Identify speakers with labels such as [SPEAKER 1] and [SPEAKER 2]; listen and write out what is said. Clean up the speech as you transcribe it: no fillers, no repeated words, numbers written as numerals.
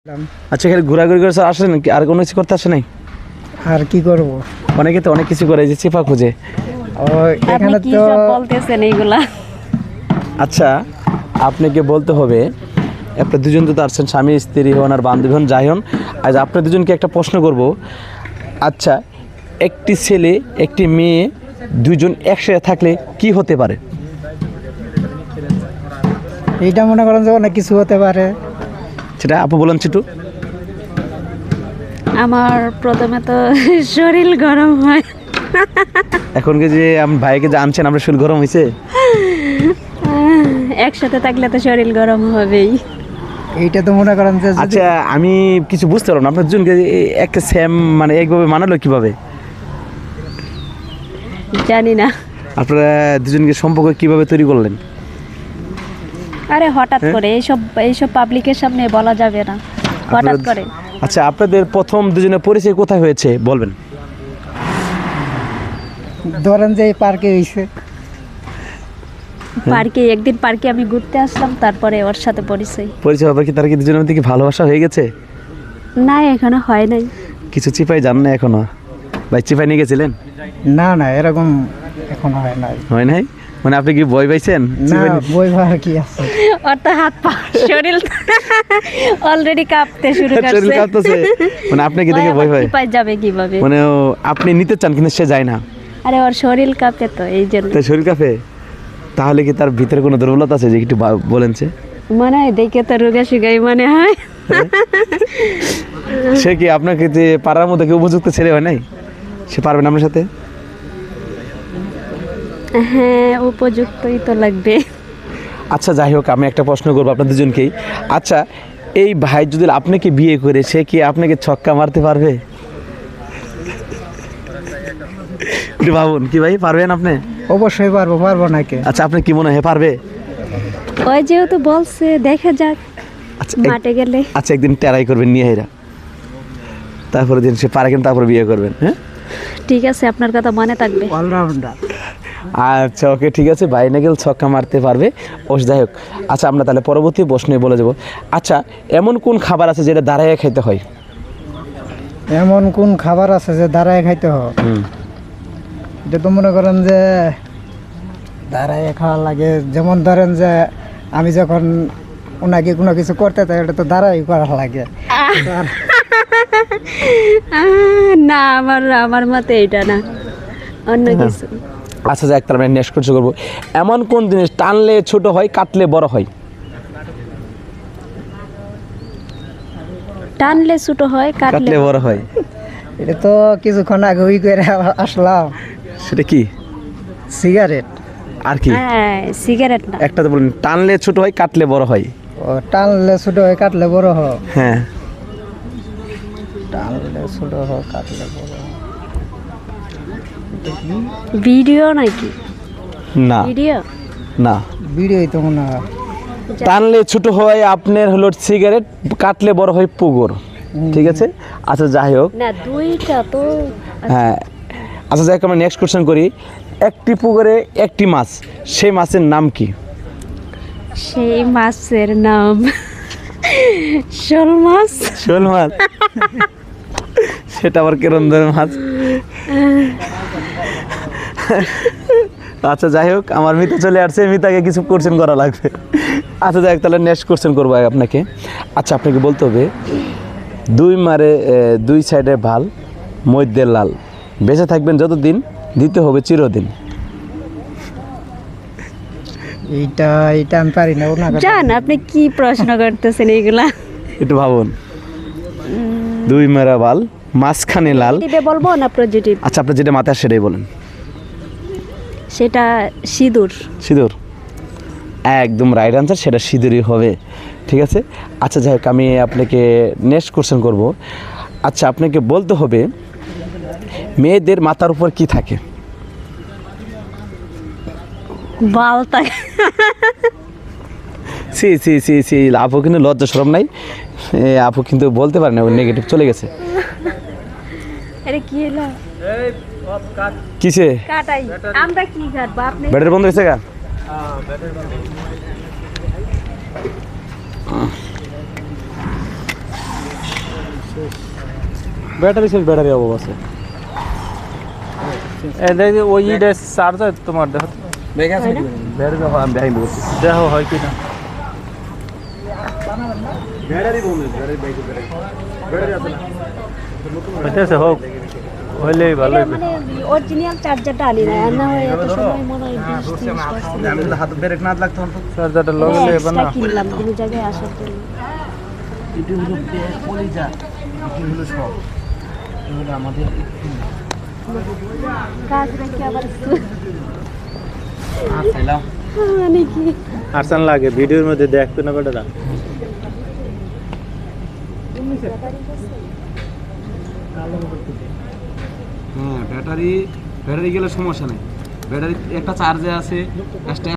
[SPEAKER 1] আচ্ছা, এখানে ঘোরাঘুরি করে আসেন নাকি আর কোনো কিছু করতে আসে নাই?
[SPEAKER 2] আর কি করব?
[SPEAKER 1] অনেকে তো অনেক কিছু করে, যে চেপা খুঁজে।
[SPEAKER 2] ও এখানে
[SPEAKER 3] কি
[SPEAKER 2] তো
[SPEAKER 3] সব বলতেছেন এইগুলা?
[SPEAKER 1] আচ্ছা, আপনাকে বলতে হবে, আপনার দুজন তো আসছেন, স্বামী স্ত্রী হন আর বান্ধবী হন, যাই হন। আজ আপনার দুজনকে একটা প্রশ্ন করব। আচ্ছা, একটি ছেলে একটি মেয়ে দুজন একসাথে থাকলে কি হতে পারে?
[SPEAKER 2] এইটা মনে করেন যে অনেক কিছু হতে পারে।
[SPEAKER 1] সেটা আপু বলেন একটু।
[SPEAKER 3] আমার প্রথমে তো শরীর গরম হয়।
[SPEAKER 1] এখন যে ভাইকে যে আনছেন, আপনার শরীর গরম হয়েছে?
[SPEAKER 3] একসাথে থাকলে তো শরীর গরম হবেই।
[SPEAKER 2] এইটা তো মনে করেন যে যদি-
[SPEAKER 1] আচ্ছা, আমি কিছু বুঝতে পারলাম না, আপনার দুজনকে একটা সেম মানে একভাবে মানালো কিভাবে?
[SPEAKER 3] জানি না।
[SPEAKER 1] আপনারা দুজনকে সম্পর্ক কিভাবে তৈরি করলেন?
[SPEAKER 3] আরে হঠাৎ করে এইসব পাবলিকের সামনে বলা যাবে না, হঠাৎ করে।
[SPEAKER 1] আচ্ছা, আপনাদের প্রথম দুজনের পরিচয় কোথায় হয়েছে বলবেন?
[SPEAKER 2] ধরেন যে এই পার্কে হইছে।
[SPEAKER 3] একদিন পার্কে আমি ঘুরতে আসলাম, তারপরে ওর সাথে পরিচয়।
[SPEAKER 1] পরিচয় হবে কি, তার কি দুজনের মধ্যে কি ভালোবাসা হয়ে গেছে?
[SPEAKER 3] না, এখনো হয় নাই।
[SPEAKER 1] কিছু চিপাই জান না এখনো? ভাই চিপাই নিয়ে গেছিলেন?
[SPEAKER 2] না না, এরকম এখন হয় নাই।
[SPEAKER 1] হয় নাই মানে আপনি কি ভয় পাইছেন?
[SPEAKER 2] না, বই ভার কি আছে?
[SPEAKER 3] ওর তো হাত পা শরীর অলরেডি কাঁপতে শুরু
[SPEAKER 1] শরীর
[SPEAKER 3] করছে।
[SPEAKER 1] কাঁপতেছে মানে আপনি কি দেখে ভয় হয়?
[SPEAKER 3] পাই যাবে কিভাবে?
[SPEAKER 1] মানে আপনি নিতে চান কিন্তু সে যায় না,
[SPEAKER 3] আরে ওর শরীর কাঁপে তো, এই জন্য।
[SPEAKER 1] তাই শরীর কাঁপে। তাহলে কি তার ভিতরে কোনো দুর্বলতা আছে যে একটু বলেন? সে
[SPEAKER 3] মনে হয় দেখে তো রোগা শুগাই মনে হয়।
[SPEAKER 1] সে কি আপনাকে যে পাড়ার মধ্যে কি উপযুক্ত ছেলে হয় নাই? সে পারবে না আপনার সাথে?
[SPEAKER 3] হ্যাঁ, উপযুক্তই তো লাগবে।
[SPEAKER 1] আচ্ছা, যাই হোক, আমি একটা প্রশ্ন করবো আপনার দুজনকেই। আচ্ছা, এই ভাই যদি আপনাকে বিয়ে করে, সে কি আপনাকে ছক্কা মারতে পারবে? একটু ভাবুন, কি ভাই পারবেন আপনি?
[SPEAKER 2] অবশ্যই পারবো, পারবো না কে?
[SPEAKER 1] আচ্ছা, আপনি কি মনে হয় পারবে?
[SPEAKER 3] ওই যেহেতু বলছে, দেখা যাক
[SPEAKER 1] আচ্ছা
[SPEAKER 3] মাঠে গেলে।
[SPEAKER 1] আচ্ছা, একদিন ট্রাই করবেন নিয়ে হেরা, তারপরে দিন সে পারে কিনা, তারপরে বিয়ে করবেন। হ্যাঁ,
[SPEAKER 3] ঠিক আছে, আপনার কথা মনে থাকবে।
[SPEAKER 2] অলরাউন্ডার।
[SPEAKER 1] আচ্ছা, ওকে, ঠিক আছে। ভাই নাগেল ছক্কা মারতে পারবে। যাই হোক, আচ্ছা, আমরা তাহলে পরবর্তী প্রশ্নে বলে যাব। আচ্ছা, এমন কোন খাবার আছে যেটা দাঁড়ায় খাইতে হয়?
[SPEAKER 2] এমন কোন খাবার আছে যে দাঁড়ায় খাইতে হয়? এটা তো মনে করেন যে দাঁড়ায় খাওয়া লাগে। যেমন ধরেন যে আমি যখন ওনাকে কোনো কিছু করতে চাই, এটা তো দাঁড়াই করা লাগে।
[SPEAKER 3] না, আমার মতে এটা না, অন্য কিছু।
[SPEAKER 1] আচ্ছা, যাক, তাহলে আমরা নেক্সট কোশ্চেন করবো। এমন কোন জিনিস টানলে ছোট হয়, কাটলে বড় হয়?
[SPEAKER 3] টানলে ছোট হয়,
[SPEAKER 1] কাটলে
[SPEAKER 3] কাটলে
[SPEAKER 1] বড় হয়।
[SPEAKER 2] এটা তো কিছুক্ষণ আগে ওই করে আসলাম।
[SPEAKER 1] সেটা কি?
[SPEAKER 2] সিগারেট।
[SPEAKER 1] আর কি?
[SPEAKER 3] হ্যাঁ, সিগারেট না।
[SPEAKER 1] একটা তো বলুন, টানলে ছোট হয়, কাটলে বড় হয়।
[SPEAKER 2] ও টানলে ছোট হয়, কাটলে বড় হয়।
[SPEAKER 1] হ্যাঁ,
[SPEAKER 2] টানলে ছোট হয়, কাটলে বড় হয়।
[SPEAKER 3] ভিডিও নাকি?
[SPEAKER 1] না
[SPEAKER 3] ভিডিও
[SPEAKER 1] না,
[SPEAKER 2] বিড়িই তো মনে হয়।
[SPEAKER 1] টানলে ছোট হয় আপনার হলো সিগারেট, কাটলে বড় হয় পুকুর। ঠিক আছে। আচ্ছা, যাই হোক,
[SPEAKER 3] না, দুইটা তো।
[SPEAKER 1] হ্যাঁ, আচ্ছা, যাই হোক, আমরা নেক্সট কোশ্চেন করি। একটি পুকুরে একটি মাছ, সেই মাছের নাম কি?
[SPEAKER 3] সেই মাছের নাম শোল মাছ।
[SPEAKER 1] শোল মাছ? সেটা আবার কেরম ধরনের মাছ? আচ্ছা, যাই হোক, আমার মিতা চলে আসছে, মিতাকে কিছু কোশ্চেন করা লাগবে। আচ্ছা, যাই হোক, তাহলে নেক্সট কোশ্চেন করবো আপনাকে। আচ্ছা, আপনাকে বলতে হবে, দুই সাইডে ভাল, মধ্যে লাল, বেঁচে থাকবেন যতদিন, দিতে হবে চিরদিন।
[SPEAKER 2] এইটা এইটা আমি পারি না। ওনাকে
[SPEAKER 3] জান, আপনি কি প্রশ্ন করতেছেন এগুলা?
[SPEAKER 1] একটু ভাবুন। দুই মেরা ভাল, মাঝখানে লাল।
[SPEAKER 3] নেগেটিভে বলবো না পজিটিভ?
[SPEAKER 1] আচ্ছা, আপনি যেটা মাথায় সেটাই বলেন।
[SPEAKER 3] সেটা সিঁদুর।
[SPEAKER 1] সিঁদুর? একদম রাইট আনসার, সেটা সিঁদুরই হবে। ঠিক আছে। আচ্ছা, যাই হোক, আমি আপনাকে নেক্সট কোশ্চেন করব। আচ্ছা, আপনাকে বলতে হবে, মেয়েদের মাথার উপর কি থাকে?
[SPEAKER 3] বাল থাকে।
[SPEAKER 1] সি সি সি সি আপু কিন্তু লজ্জা শরম নাই, আপু কিন্তু বলতে পারে না, নেগেটিভ চলে গেছে।
[SPEAKER 3] আরে কি হলো?
[SPEAKER 1] কিসে?
[SPEAKER 3] কাটাই। আমরা কি কাটবো? আপনি
[SPEAKER 1] ব্যাটারি বন্ধ হয়েছে গা? ব্যাটারি শেষ, ব্যাটারি অভাব আছে।
[SPEAKER 4] এই দেখি ওই ইডে চার্জার তোমার দেখো
[SPEAKER 1] ব্যাটারি অভাব আমি দেখাই বলছি।
[SPEAKER 4] দেখো হয় কি না।
[SPEAKER 1] ব্যাটারি বলুন, ব্যাটারি ব্যাটারি আছে না?
[SPEAKER 4] হইতেছে হোক, হইলেই ভালো হইবে।
[SPEAKER 3] মানে অরিজিনাল চার্জারটা আনি না, আর না হয় এত সময় মনে হয় 20-30%
[SPEAKER 1] আমি তো হাতে ব্রেক না লাগতো না।
[SPEAKER 4] চার্জারটা লগালে এবার না।
[SPEAKER 3] এক্সট্রা কিনলাম কোনো জায়গায় আসার জন্য।
[SPEAKER 1] এটি হলো কলিজা, এটি হলো সব। এগুলো আমাদের
[SPEAKER 3] কাজ রেখে আবার
[SPEAKER 1] খেলাম।
[SPEAKER 3] মানে কি
[SPEAKER 4] আরসান লাগে ভিডিওর মধ্যে দেখতো না বেটারা।
[SPEAKER 1] হ্যাঁ, ব্যাটারি গেলে সমস্যা নেই। ব্যাটারি একটা চার্জে আছে,